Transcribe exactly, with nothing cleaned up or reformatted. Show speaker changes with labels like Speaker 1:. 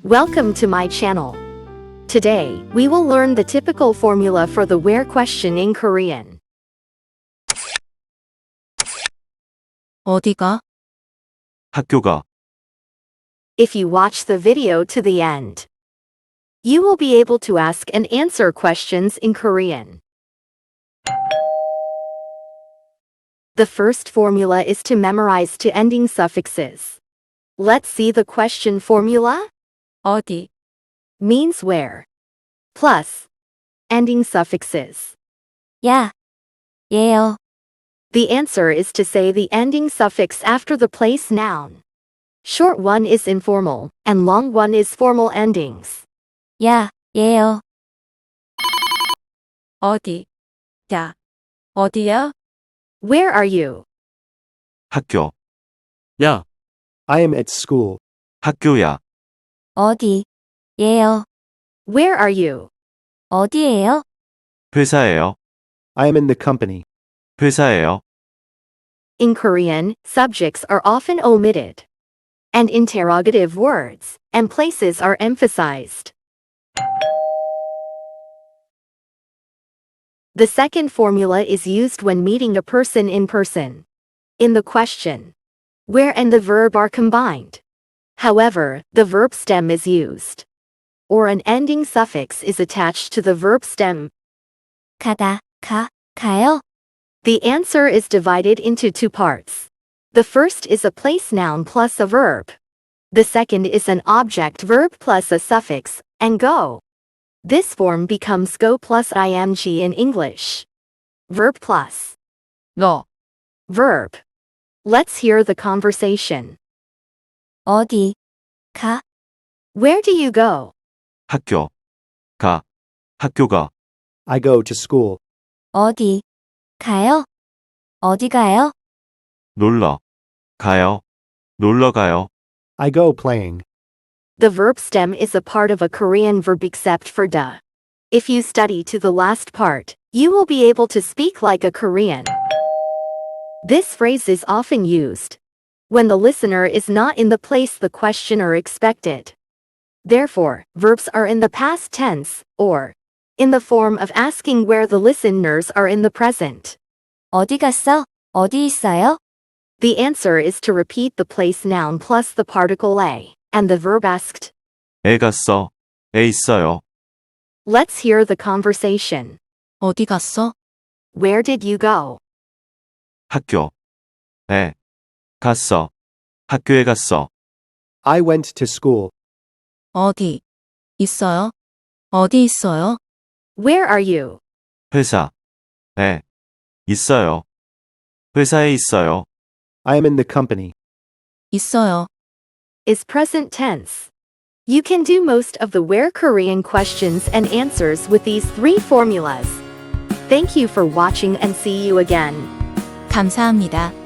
Speaker 1: Welcome to my channel. Today, we will learn the typical formula for the where question in Korean.
Speaker 2: 어디가?
Speaker 3: 학교가,
Speaker 1: If you watch the video to the end, you will be able to ask and answer questions in Korean. The first formula is to memorize to ending suffixes. Let's see the question formula.
Speaker 2: 어디?
Speaker 1: Means where. Plus ending suffixes.
Speaker 2: 야, 얘요.
Speaker 1: The answer is to say the ending suffix after the place noun. Short one is informal, and long one is formal endings.
Speaker 2: 야, 얘요. 어디? 야, 어디야?
Speaker 1: Where are you?
Speaker 3: 학교,
Speaker 4: Yeah. I am at school.
Speaker 3: 학교야,
Speaker 2: 어디? 얘요.
Speaker 1: Where are you?
Speaker 2: 어디예요?
Speaker 3: 회사예요,
Speaker 4: I am in the company.
Speaker 3: 회사예요.
Speaker 1: In Korean, subjects are often omitted, and interrogative words and places are emphasized. The second formula is used when meeting a person in person. In the question, where and the verb are combined. However, the verb stem is used, or an ending suffix is attached to the verb stem.
Speaker 2: 가다, 가, 가요.
Speaker 1: The answer is divided into two parts. The first is a place noun plus a verb. The second is an object verb plus a suffix, and go. This form becomes go plus ing in English. Verb plus
Speaker 2: 너.
Speaker 1: verb. Let's hear the conversation.
Speaker 2: 어디? 가.
Speaker 1: Where do you go?
Speaker 3: 학교, 가, 학교가,
Speaker 4: I go to school.
Speaker 2: 어디? 가요? 어디 가요?
Speaker 3: 놀러, 가요, 놀러 가요.
Speaker 4: I go playing.
Speaker 1: The verb stem is a part of a Korean verb except for da. If you study to the last part, you will be able to speak like a Korean. This phrase is often used when the listener is not in the place the questioner expected. Therefore, verbs are in the past tense, or in the form of asking where the listeners are in the present.
Speaker 2: 어디 갔어? 어디 있어요?
Speaker 1: The answer is to repeat the place noun plus the particle a, and the verb asked.
Speaker 3: 애 갔어, 애 있어요.
Speaker 1: Let's hear the conversation.
Speaker 2: 어디 갔어?
Speaker 1: Where did you go?
Speaker 3: 학교, 애, 갔어, 학교에 갔어.
Speaker 4: I went to school.
Speaker 2: 어디? 있어요? 어디 있어요?
Speaker 1: Where are you?
Speaker 3: 회사, 애, 있어요. 회사에 있어요.
Speaker 4: I am in the company.
Speaker 2: 있어요.
Speaker 1: Is present tense. You can do most of the where Korean questions and answers with these three formulas. Thank you for watching and see you again.
Speaker 2: 감사합니다.